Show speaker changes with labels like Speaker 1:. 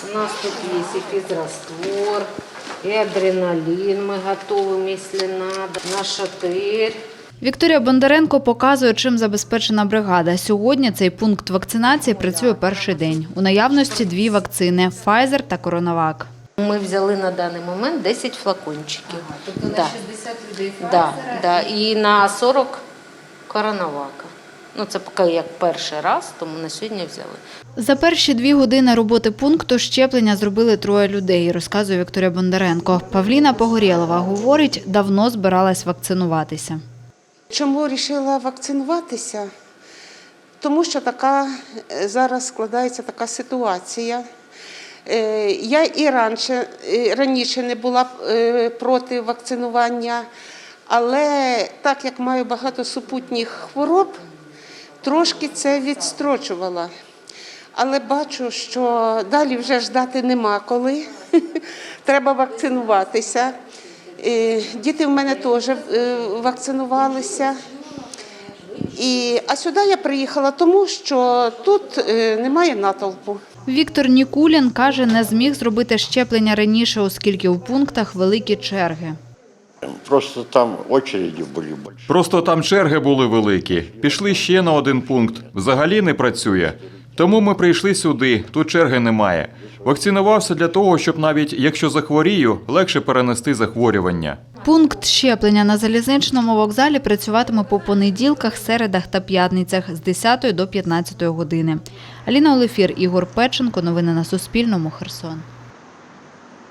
Speaker 1: У нас тут есть и физраствор, и адреналин мы готовим, если надо, нашатырь.
Speaker 2: Вікторія Бондаренко показує, чим забезпечена бригада. Сьогодні цей пункт вакцинації працює перший день. У наявності 2 вакцини – Pfizer та CoronaVac.
Speaker 1: Ми взяли на даний момент 10 флакончиків.
Speaker 2: Тобто
Speaker 1: на 60 людей Pfizer? Да. І на 40 CoronaVac. Це поки як перший раз, тому на сьогодні взяли.
Speaker 2: За перші 2 години роботи пункту щеплення зробили 3 людей, розказує Вікторія Бондаренко. Павліна Погорєлова говорить, давно збиралась вакцинуватися.
Speaker 3: Чому вирішила вакцинуватися? Тому що зараз складається така ситуація. Я і раніше не була проти вакцинування, але так як маю багато супутніх хвороб, трошки це відстрочувала. Але бачу, що далі вже ждати нема коли, треба вакцинуватися. Діти в мене теж вакцинувалися. А сюди я приїхала тому, що тут немає натовпу.
Speaker 2: Віктор Нікулін каже, не зміг зробити щеплення раніше, оскільки у пунктах великі черги.
Speaker 4: Просто там очереди були більші.
Speaker 5: Просто там черги були великі. Пішли ще на 1 пункт. Взагалі не працює. Тому ми прийшли сюди, тут черги немає. Вакцинувався для того, щоб навіть якщо захворію, легше перенести захворювання.
Speaker 2: Пункт щеплення на залізничному вокзалі працюватиме по понеділках, середах та п'ятницях з 10 до 15 години. Аліна Олефір, Ігор Печенко. Новини на Суспільному. Херсон.